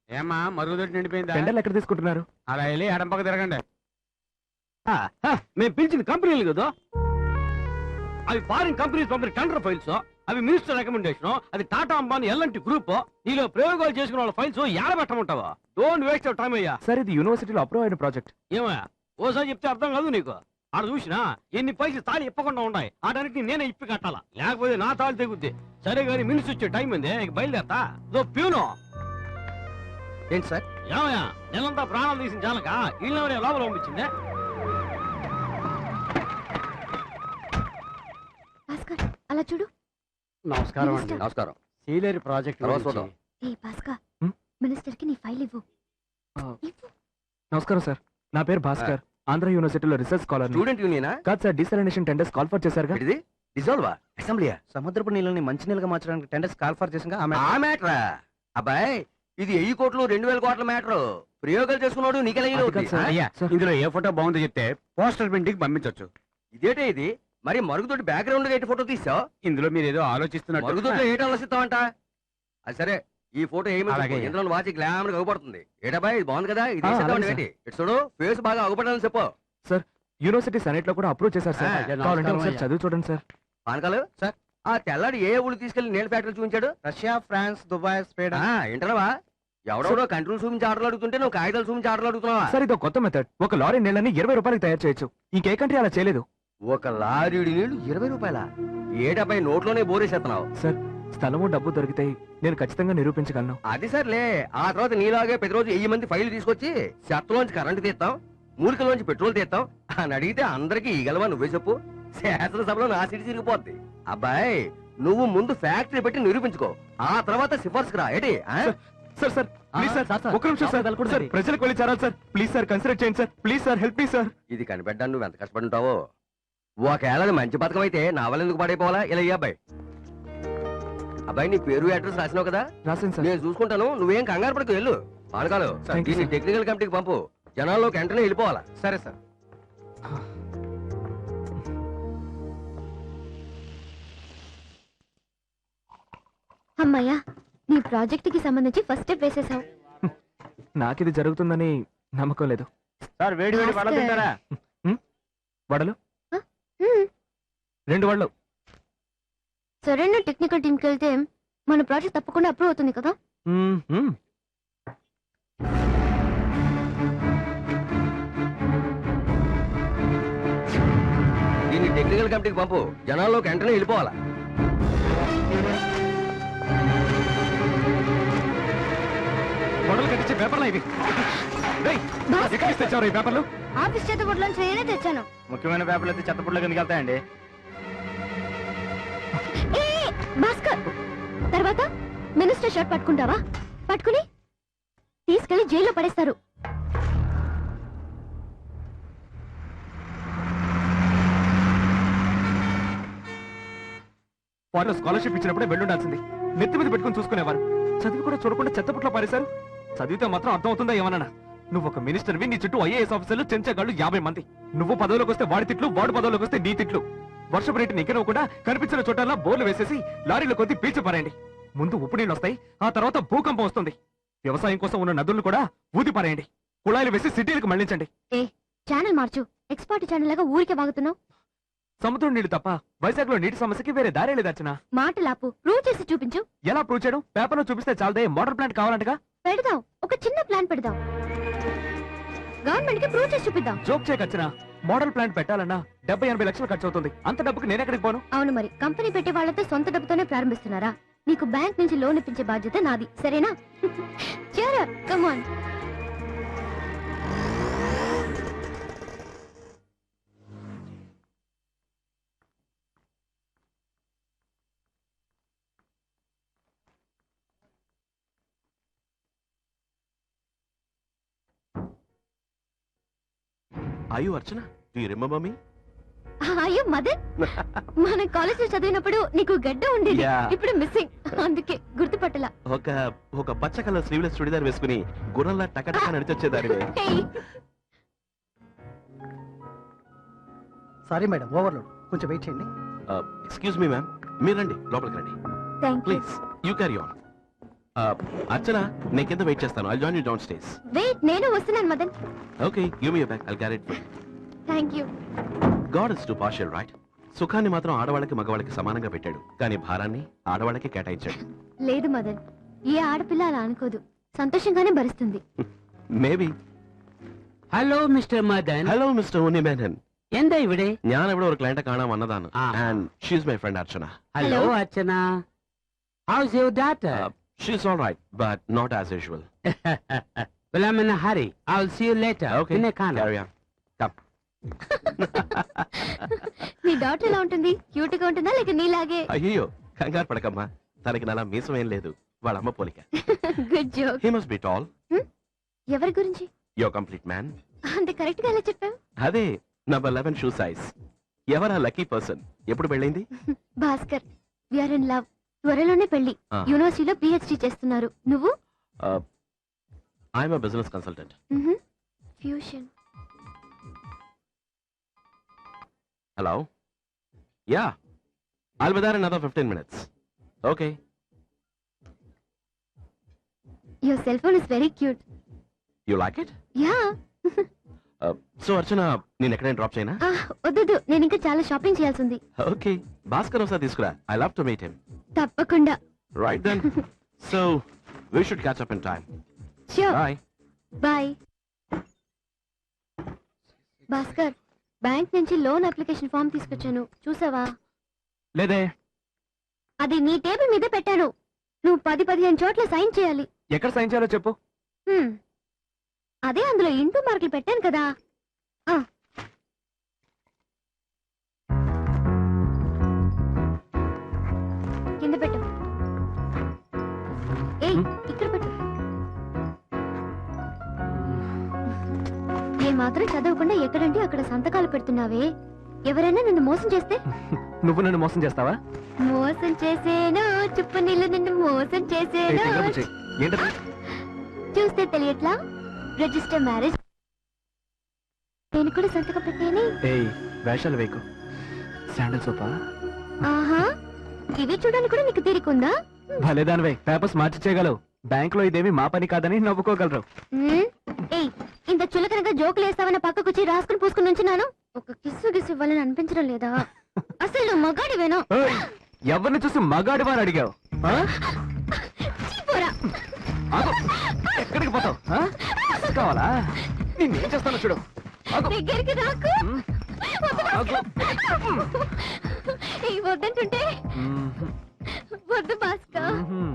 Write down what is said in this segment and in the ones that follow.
ఏమా మరుగుదొడ్డి నిండిపోయిందా? టెండర్లు ఎక్కడ తీసుకుంటున్నారు? అలా వెళ్ళి ఎడంపక్క తిరగండి. మేము పిలిచింది కంపెనీలు కదా, అవి ఫారిన్ కంపెనీస్ పంపిన టెండర్ ఫైల్స్, అవి మినిస్టర్ రికమెండేషన్, అది టాటా అంబానీ ఎల్ఎన్టీ గ్రూప్. నీలో ప్రయోగాలు చేసుకున్న వాళ్ళ ఫైల్స్ ఏడబెట్టమంటావా? డోంట్ వేస్ట్ యువర్ టైం అయ్యా. సార్ ఇది యూనివర్సిటీలో అప్రూవ్ అయిన ప్రాజెక్ట్. ఏమయ్యా ఓసారి చెప్తే అర్థం కాదు నీకు? ఆడ చూసినా ఎన్ని పైసలు తాళి ఇప్పకుండా ఉన్నాయి, ఆడనికి నేనే ఇప్పి కట్టాలా, లేకపోతే నా తాళి తెగుద్ది. సరే కానీ మినిస్టర్ వచ్చే టైం ఉంది, ఇక బయలుదేరతా. ప్యూనో ఏంటి సార్? ఏమయ్యా నెలంతా ప్రాణాలు తీసిన చాలక ఇళ్ళెవరే లోపల పంపించిందే? అలా చూడు. నమస్కారం అండి. నమస్కారం. సీలేరు ప్రాజెక్ట్ మినిస్టర్ కి నీ ఫైల్ ఇవ్వు. నమస్కారం సార్, నా పేరు భాస్కర్. ఆంధ్ర యూనివర్సిటీలో రీసెర్చ్ స్కాలర్. స్టూడెంట్ యూనియనా? కాదు sir, desalination tenders call for చేశారుగా. ఇది డిజాల్వా అసెంబ్లీయా? సముద్రపు నీళ్ళని మంచినీళ్ళగా మార్చడానికి టెండర్స్ కాల్ ఫర్ చేసింగా ఆ మ్యాటరా? అబ్బాయి ఇది 1000 కోట్లు 2000 కోట్ల మ్యాటర్. ప్రయోగాలు చేసుకున్నాడు నీకెలా అయ్యా, ఇందులో ఏ ఫోటో బాగుందో చెప్తే పోస్టర్ ప్రింటింగ్ పంపించవచ్చు. ఇదేటే ఇది? మరి మరుగుదొడ్డి బ్యాక్గ్రౌండ్ ఎటు ఫోటో తీసావు? ఇందులో మీరు ఏదో ఆలోచిస్తున్నారు. మరుగుదొడ్డిలో ఏట ఆలోచిస్తావంట? అది సరే, ఈ ఫోటో ఏమి ఇందులో వాచి గ్లామర్ అగుపడుతుంది. ఏటబ్బాయి ఇది బాగుంది కదా, ఇది ఏంటి? ఇటు చూడు, ఫేస్ బాగా అగుపడాలని చెప్పు. సార్ యూనివర్సిటీ సెనెట్ లో కూడా అప్రూవ్ చేశారు సార్. కావాలంటే ఒకసారి చదివి చూడండి సార్. పానకాలు సార్, ఆ తెల్లాడు ఏ ఊళ్ళు తీసుకెళ్లి నీళ్ళ ఫ్యాక్టరీ చూపించాడు? Russia, France, Dubai, Spain. ఏంటనవా? ఎవడెవడో కంట్రోల్ చూపించి ఆటలు అడుగుతుంటే నువ్వు కాగితాలు చూపించి ఆటలు అడుగుతున్నావా? సార్ ఇది కొత్త మెథడ్. ఒక లారీ నీళ్ళని 20 రూపాయలకి తయారు చేయొచ్చు. ఇంకే కంట్రీ అలా చేయలేదు. ఒక లారీడి నీళ్లు 20 రూపాయల? ఏటపై నోట్లోనే బోరేసేస్తున్నావు. సార్ స్థలము డబ్బు దొరికితే నేను ఖచ్చితంగా నిరూపించగలను. అది సర్లే, ఆ తర్వాత నీలాగే ప్రతిరోజు 1000 మంది ఫైల్ తీసుకొచ్చి చెత్తలోంచి కరెంటు తీస్తాం, మూలికలోంచి పెట్రోల్ తీస్తాం అని అడిగితే అందరికి ఈగలవా నువ్వే చెప్పు. శాసనసభలో నా సిడి తిరిగిపోద్ది. అబ్బాయి నువ్వు ముందు ఫ్యాక్టరీ పెట్టి నిరూపించుకో, ఆ తర్వాత సిఫార్సుకు రా. ఏంటి? సార్ సార్ ప్లీజ్ సార్, ఒక నిమిషం సార్, ప్రజలకు వెళ్ళి చేరాలి సార్. ప్లీజ్ సార్ కన్సిడర్ చేయండి sir. Please sir help me sir. ఇది కనిపెట్టడానికి నువ్వు ఎంత కష్టపడి ఉంటావో. ఒకవేళ మంచి పథకం అయితే నా వల్ల ఎందుకు పడైపోవాలా? ఇలా అబ్బాయి. అబ్బాయి నీ పేరు అడ్రస్ రాసినావు కదా? రాసింది సార్. నేను చూసుకుంటాను, నువ్వేం కంగారు పడకు. వెళ్ళు. పానకాలు దీన్ని టెక్నికల్ కమిటీకి పంపు, జనాల్లోకి వెంటనే వెళ్ళిపోవాలా. సరే సార్. అమ్మయ్యా, నీ ప్రాజెక్ట్ కి సంబంధించి ఫస్ట్ స్టెప్ వేసేసావు. నాకిది జరుగుతుందని నమ్మకం లేదు. సార్ వేడి వేడి వడలు తింటారా? వడలు 2 వడలు. సరైన టెక్నికల్ టీంకి వెళ్తే మన ప్రాజెక్ట్ తప్పకుండా అప్రూవ్ అవుతుంది కదా. దీన్ని టెక్నికల్ కమిటీకి పంపు, జనాల్లోకి వెంటనే వెళ్ళిపోవాలా. వడలు కట్టించే పేపర్లు ఇవి. తెచ్చారు ఈ పేపర్లు? ఆఫీస్ చేతబుడ్లోంచి నేనే తెచ్చాను. ముఖ్యమైన పేపర్లు అయితే చెత్తపుట్లో కిందకి వెళ్తాయండి. భాస్కర్, తర్వాత మినిస్టర్ షర్ట్ పట్టుకుంటావా? పట్టుకుని తీసుకెళ్లి జైల్లో పడేస్తారు. వాళ్ళు స్కాలర్షిప్ ఇచ్చినప్పుడే వెళ్ళుండాల్సింది. నెత్తి మీద పెట్టుకుని చూసుకునేవారు. చదివి కూడా చూడకుండా చెత్తపుట్లో పారేశారు. చదివితే మాత్రం అర్థం అవుతుందా ఏమన్నా? నువ్వు ఒక మినిస్టర్వి, నీ చుట్టూ ఐఏఎస్ ఆఫీసర్లు, చెంచగాళ్ళు 50 మంది. నువ్వు పదవిలోకి వస్తే వాడి తిట్లు, వాడు పదవిలోకి వస్తే నీ తిట్లు. వర్షపు రేటు నిక్కనవ్వకుండా కనిపించిన చోటల్లా బోర్లు వేసేసి లారీలో కొద్ది పీల్చి పారేయండి. ముందు ఉప్పు నీళ్ళు వస్తాయి, ఆ తర్వాత భూకంపం వస్తుంది. వ్యవసాయం కోసం ఉన్న నదులను కూడా ఊది పారేయండి. కుళాయిలు వేసి సిటీలకు మళ్లించండి. ఛానల్ మార్చు. ఎక్స్పర్ట్ ఛానల్ లాగా ఊరికే వాగుతున్నావు. సముద్రం నీళ్లు తప్ప వైజాగ్ లో నీటి సమస్యకి వేరే దారే లేదర్చనా. మాటలాపు, ప్రూవ్ చేసి చూపించు. ఎలా ప్రూవ్ చేయడం? పేపర్ లో చూపిస్తే చాలదే, మోటార్ ప్లాంట్ కావాలంటగా. పెడదాం, ఒక చిన్న ప్లాన్ పెడదాం. గవర్నమెంట్ కి ప్రూవ్ చేసి చూపిద్దాం. జోక్ చేయకచ్చనా? మోడల్ ప్లాంట్ పెట్టాలన్నా 70-80 లక్షలు ఖర్చు అవుతుంది. అంత డబ్బుకి నేను ఎక్కడికి పోను? అవును, మరి కంపెనీ పెట్టే వాళ్ళతో సొంత డబ్బుతోనే ప్రారంభిస్తున్నారా? నీకు బ్యాంక్ నుంచి లోన్ ఇప్పించే బాధ్యత నాది, సరేనా? cheer up, come on. Are you Archana? Do you remember me? అయ్యో మదన్, మన కాలేజ్ లో చదివినప్పుడు నీకు గడ్డ ఉండేది. ఇప్పుడు మిస్సింగ్, అందుకే గుర్తుపట్టలా. ఒక పచ్చ కలర్ స్లీవ్లెస్ చుడిదార్ వేసుకుని గుర్రంలా టకటక నడిచొచ్చేదారి. Sorry madam, overload. కొంచెం వెయిట్ చేయండి. ఎక్స్క్యూజ్ మీ మ్యామ్, మీరు రండి, లోపలికి రండి please. You carry on. Archana నేను కింద వెయిట్ చేస్తాను. I join you down stays. Wait, నేను వస్తున్నాను Madan. Okay, give me back. I carry it. Thank you. God is too partial, right? సుఖాన్ని మాత్రం ఆడవాళ్ళకి మగవాళ్ళకి సమానంగా పెట్టాడు, కానీ భారాన్ని ఆడవాళ్ళకి కేటాయించాడు. లేదు మదన్, ఏ ఆడపిల్ల అలా అనుకోదు, సంతోషంగానే భరిస్తుంది. Maybe. Hello mister Madan. Hello mister Unnimenon. എന്താ ഇവിടെ? ഞാൻ ഇവിടെ ഒരു ക്ലയന്റെ കാണാൻ വന്നതാണ്. ആ. And she's my friend Archana. Hello Archana. How's your daughter? She's all right, but not as usual. Well, I'm in a hurry. I'll see you later. Okay, In a car. carry on. Come. నీ daughter ఎలా ఉంటుంది? Cute గా ఉంటుందా లేక నీలాగే? అయ్యో, కంగారు పడకమ్మా. తనకి నాలా మీసం ఏం లేదు, వాళ్ళ అమ్మ పోలిక. Good joke. He must be tall. ఎవరి గురించి? You're complete man. అంత కరెక్ట్ గా ఎలా చెప్పావు? అదే నంబర్ 11 షూ సైజ్. ఎవరా లక్కీ పర్సన్? ఎప్పుడు పెళ్ళైంది? Bhaskar, we are in love. త్వరలోనే పెళ్లి. Ah. యూనివర్సిటీలో పిహెచ్డి చేస్తున్నారు. నువ్వు? I'm a business consultant. Fusion. Hello? Yeah. I'll be there in another 15 minutes. Okay. Your cell phone is very cute. You like it? Yeah. So Archana, నేను ఎక్కడైనా drop చేయనా? వద్దు, నేను ఇంకా చాలా షాపింగ్ చేయాల్సి ఉంది. ఓకే, భాస్కర్ ఒకసారి తీసుకురా. I love to meet him. తప్పకుండా. Right then. So, we should catch up in time. Sure. Bye. Bye. Bhaskar, bank నుంచి లోన్ అప్లికేషన్ ఫామ్ తీసుకొచ్చాను, చూసావా? లేదే. అది నీ టేబుల్ మీద పెట్టాను. నువ్వు 10-15 చోట్ల సైన్ చేయాలి. ఎక్కడ సైన్ చేయాలో చెప్పు. అదే అందులో ఇంటూ మార్కులు పెట్టాను కదా. కింద పెట్టు. ఏయ్, ఇక్కడ పెట్టు. ఏ మాత్రం చదవకుండా ఎక్కడంటే అక్కడ సంతకాలు పెడుతున్నావే. ఎవరైనా నిన్ను మోసం చేస్తే? నువ్వు నన్ను మోసం చేస్తావా? మోసం చేసేను, చుప్పు నీళ్ళు నిన్ను మోసం ఏయ్, చేసేను. తింగరపు చెయ్. ఏంటది? చూస్తే తెలియట్లా? Register marriage. నేను కూడా సంతకం పెట్టేని. ఏయ్, వేషాలు వేయకు. Sandal sofa? ఆహా, ఇవి చూడడానికి కూడా నీకు తీరికుందా? భలేదానివే, పేపర్స్ మార్చి చేయగలవు. బ్యాంక్ లో ఇదేమి మా పని కాదని నవ్వుకోగలరు. ఏయ్, ఇంత చులకనగా జోకులు వేస్తావన్న పక్కకొచ్చి రాసుకుని పూసుకుని ఉంచున్నాను. ఒక కిస్సు గిస్సు ఇవ్వాలని అనిపించడం లేదా? అసలు నువ్వు మగాడివేనా? ఏయ్, ఎవరిని చూసి మగాడి వారు అడిగావు? ఆ? చీపోరా. ఆగు. ఎక్కడికి పోతావు? ఆ? కావాలా? నేనేం చేస్తాను చూడు. ఆగు. దగ్గరికి రాకు. ఆగు. ఏయ్, వద్దంటుంటే. వద్దు భాస్కర్. మ్మ్.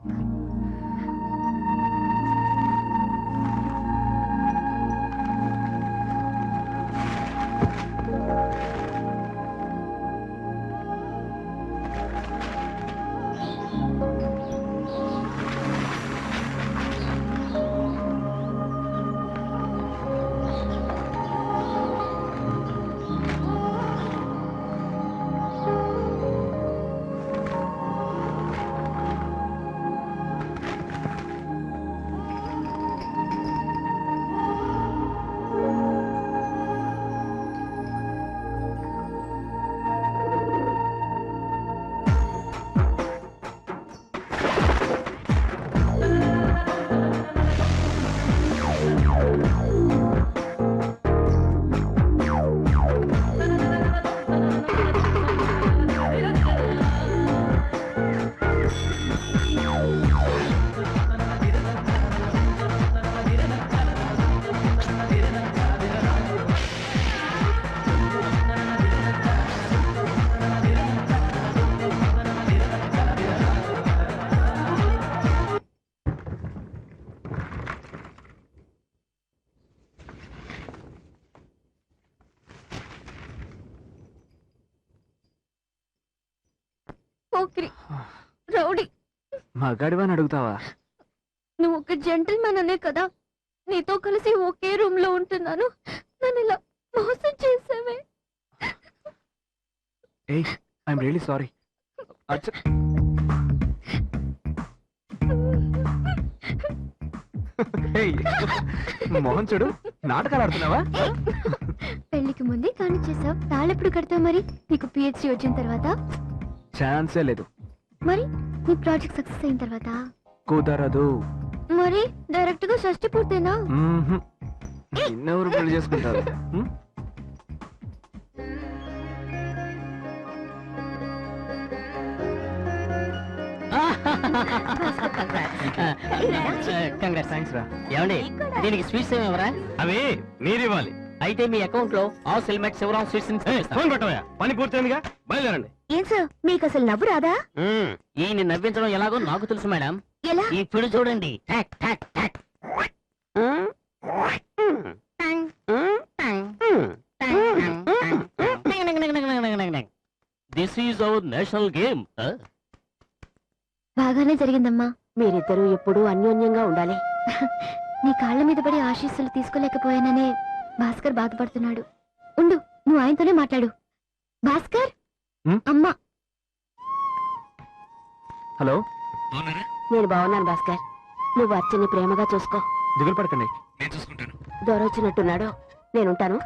పోకిరి, రౌడీ. మగాడివని అడుగుతావా? నువ్వు ఒక జెంటిల్మెన్ అనే కదా, నీతో కలిసి ఒకే రూమ్ లో ఉంటున్నాను. నన్ను ఇలా మోసం చేసావే. ఏయ్, ఐఎమ్ రియలీ సారీ. మోహన్ చూడు, నాటకాలు ఆడుతున్నావా? పెళ్లికి ముందే కాని చేసావు, తాళెప్పుడు కడతావు మరి? నీకు పిహెచ్డి వచ్చిన తర్వాత? ఛాన్సే లేదు. మరి నీ ప్రాజెక్ట్ సక్సెస్ అయిన తర్వాత? కుదరదు. మరి డైరెక్ట్ గా షష్టి పూర్తేనా? మ్మ్హ్మ్. నిన్నెవరు పెళ్లి చేసుకుంటారు? మ్? కంగ్రాట్స్. థాంక్స్ రా. ఏమండి దీనికి స్వీట్స్ ఏమవరా? అవి మీరివ్వాలి. అయితే మీ అకౌంట్ లో all settlement Sivaram sweets phone పెట్టవయ్యా, పని పూర్తయిందిగా, బయలుదేరండి. ఏం సార్ మీకు అసలు నవ్వు రాదా? ఈయన నవ్వించడం ఎలాగో నాకు తెలుసు మేడం. ఎలా? ఇప్పుడు చూడండి. టాక్ టాక్ టాక్. This is our national game. బాగానే జరిగిందమ్మా. మీరిద్దరూ ఎప్పుడూ అన్యోన్యంగా ఉండాలి. నీ కాళ్ళ మీద పడి ఆశీస్సులు తీసుకోలేకపోయాననే భాస్కర్ బాధపడుతున్నాడు. ఉండు, నువ్వు ఆయనతోనే మాట్లాడు. భాస్కర్, హ్మ్? అమ్మా. హలో, నేను బాగున్నాను భాస్కర్. నువ్వు అర్చని ప్రేమగా చూసుకో. దిగులు పడకండి. దొరొచ్చినట్టున్నాడు. నేనుంటాను.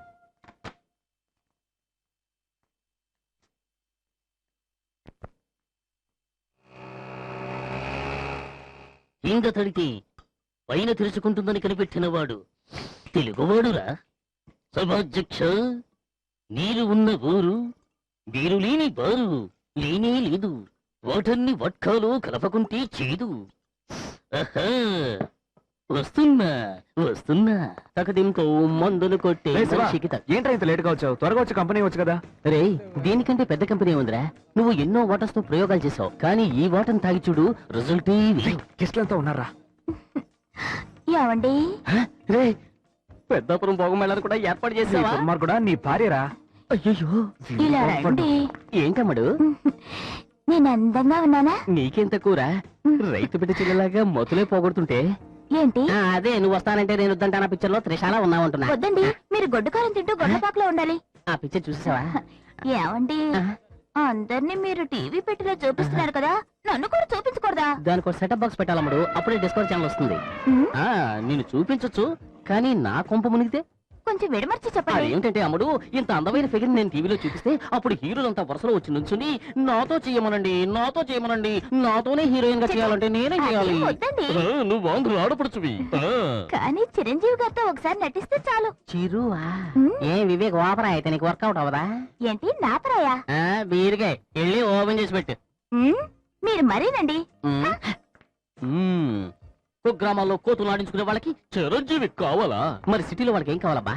ఇంద తడితే పైన తెరుచుకుంటుందని కనిపెట్టినవాడు తెలుగువాడురా. సభాధ్యక్ష, నీరు ఉన్న ఊరు, నీరు లేని బారు లేనే లేదు. వాటన్ని వట్కాలో కలపకుంటే చేదు. ఆహా, వస్తున్నా వస్తున్నా. తకదింకో మందులు కొట్టే రేయ్ శివ, మనిషికి తగ్గ- ఏంట్రా ఇంత లేట్ గా వచ్చావు? త్వరగా వచ్చి కంపెనీ వచ్చు కదా. రే, దీనికంటే పెద్ద కంపెనీ ఉందిరా. నువ్వు ఎన్నో వాటర్స్ తో ప్రయోగాలు చేసావు, కానీ ఈ వాటర్ తాగి చూడు, రిజల్ట్ గెస్ట్లంతా ఉన్నారా? ఏమండి, రే, పెద్దాపురం భోగమేళాను కూడా ఏర్పాటు చేసావా? కూడా నీ భార్యరా? అయ్యో, ఇలా రండి. ఏంటమ్మడు నేను అందంగా ఉన్నానా? నీకేం తక్కువరా? రైతు బిడ్డ చెల్లెలాగా మొదలే పోగొడుతుంటే. ఏంటి? అదే నువ్వు వస్తానంటే నేను వద్దంటాను పిక్చర్ లో త్రిశాల ఉన్నావంటున్నా. వద్దండి, మీరు గొడ్డుకారం తింటూ గొడ్డపాకలో ఉండాలి. ఆ పిక్చర్ చూసావా? ఏమండి, అందరినీ మీరు టీవీ పెట్టిలో చూపిస్తున్నారు కదా, నన్ను కూడా చూపించకూడదా? దానికి సెటప్ బాక్స్ పెట్టాలమ్మడు, అప్పుడే డిస్కవర్ ఛానల్ వస్తుంది. ఉమ్, నేను చూపించొచ్చు, కానీ నా కొంప మునిగితే కొంచెం విడమర్చి చెప్పండి. అదేంటంటే అమ్ముడు, ఇంత అందమైన ఫిగర్ నేను టీవీలో చూపిస్తే అప్పుడు హీరోలంతా వరుసలో వచ్చి నుంచుని నాతో చేయమనండి, నాతో చేయమనండి, నాతోనే హీరోయిన్ గా చేయాలంటే నేనేం చేయాలి? అదేం వద్దండి. నువ్వు ఆంధ్ర ఆడపడుచువి. కానీ చిరంజీవి గారితో ఒకసారి నటిస్తే చాలు. చిరువా? ఉమ్, ఏ వివేక్ ఓపరా అయితే నీకు వర్కౌట్ అవదా? ఏంటి నాపరాయా? బీరుగా వెళ్ళి ఓపెన్ చేసి పెట్టు. ఉమ్, మీరు మరీనండి. కుగ్రామాల్లో కోతులు ఆడించుకునే వాళ్ళకి చిరంజీవి కావాలా? మరి సిటీలో వాళ్ళకి ఏం కావాలబ్బా?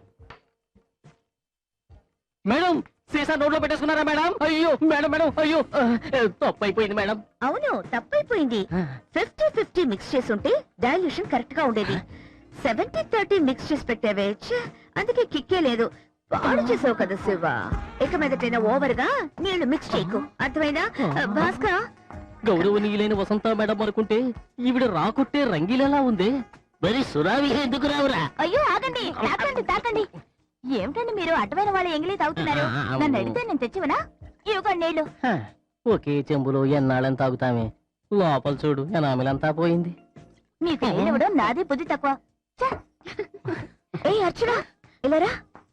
మేడం, సీసా నోట్లో పెట్టేసుకున్నారా మేడం? అయ్యో మేడం మేడం, అయ్యో తప్పు అయిపోయింది మేడం. అవును, తప్పైపోయింది. 50-50 మిక్స్ చేసి ఉంటే డైల్యూషన్ కరెక్ట్ గా ఉండేది. 70-30 మిక్స్ చేసి పెట్టావే, ఛే, అందుకే కిక్కే లేదు. పాడు చేసావు కదా శివ. ఇక మీదటైనా ఓవర్ గా నీళ్లు మిక్స్ చేయకు, అర్థమైందా? భాస్కర్, గౌరవనీయులైన వసంత మేడం అనుకుంటే ఈవిడ రాకొట్టే రంగీలలా ఉంది. మరి సురావి ఎందుకు రావురా? అయ్యో ఆగండి, తాకండి తాకండి. ఏమిటండి మీరు అడ్డమైన వాళ్ళ ఎంగిలి తాగుతున్నారు? నన్ను అడిగితే నేను తెచ్చివనా? ఇవ్వగా నీళ్లు. ఒకే చెంబులో ఎన్నాళ్ళని తాగుతామే. లోపల చూడు, ఎనామిలంతా పోయింది. మీకు నీళ్ళివ్వడం నాదే బుద్ధి తక్కువ. ఛే! ఏ అర్చన, ఇలారా.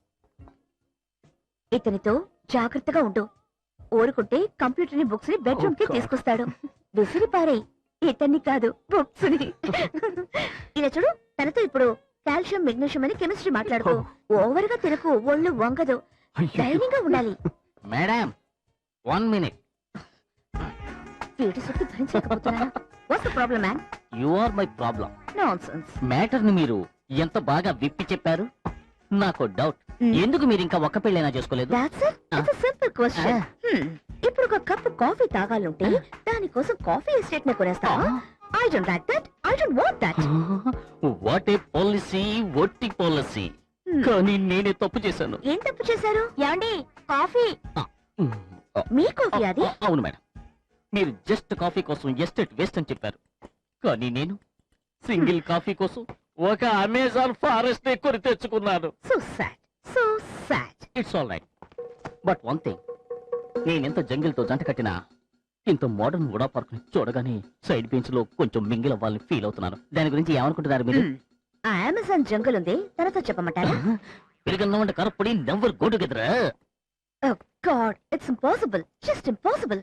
ఇతనితో జాగ్రత్తగా ఉండు. ఊరుకుంటే కంప్యూటర్ ని బుక్స్ ని బెడ్రూమ్ కి తీసుకొస్తాడు. విసిరి పారే, ఇతన్ని కాదు బుక్స్ ని. ఇలా చూడు, తనతో ఇప్పుడు కాల్షియం మెగ్నీషియం అని కెమిస్ట్రీ మాట్లాడుకో. ఓవర్ గా తినకు, ఒళ్ళు వంగదు. ధైర్యంగా ఉండాలి. Madam, 1 minute. వీటి సుట్టు భరించలేకపోతున్నాను. What's the problem man? You are my problem. Nonsense. Matter ని మీరు ఎంత బాగా విప్పి చెప్పారు. నాకు డౌట్, ఎందుకు మీరు ఇంకా ఒక్క పెళ్ళైనా చేసుకోలేదు? That's it. It's a simple question. ఇప్పుడు ఒక కప్ కాఫీ తాగాలంటే దానికోసం కాఫీ ఎస్టేట్ ని కొనేస్తావా? I don't like that. I don't want that. What a policy, వట్టి పాలసీ. కానీ నేనే తప్పు చేశాను. ఏం తప్పు చేశారు? ఏమండి, కాఫీ మీ కాఫీ అది? అవును మేడం, మీరు జస్ట్ కాఫీ కోసం ఎస్టేట్ వేస్ట్ అని చెప్పారు. కానీ నేను సింగిల్ కాఫీ కోసం ఒక అమెజాన్ ఫారెస్ట్ కొని తెచ్చుకున్నాను. So sad. So sad. It's all right. But one thing, నేనెంత జంగిల్ తో జంట కట్టినా ఇంత మోడర్న్ వుడా పార్క్ ని చూడగానే సైడ్ బెంచ్ లో కొంచెం మింగిల్ అవ్వాలని ఫీల్ అవుతున్నాను. దాని గురించి ఏమనుకుంటున్నారు మీరు? ఆ అమెజాన్ జంగల్ ఉంది, తనతో చెప్పమంటారా? పెరిగన్న వంట కరపడి never go together. Oh God, it's impossible. Just impossible.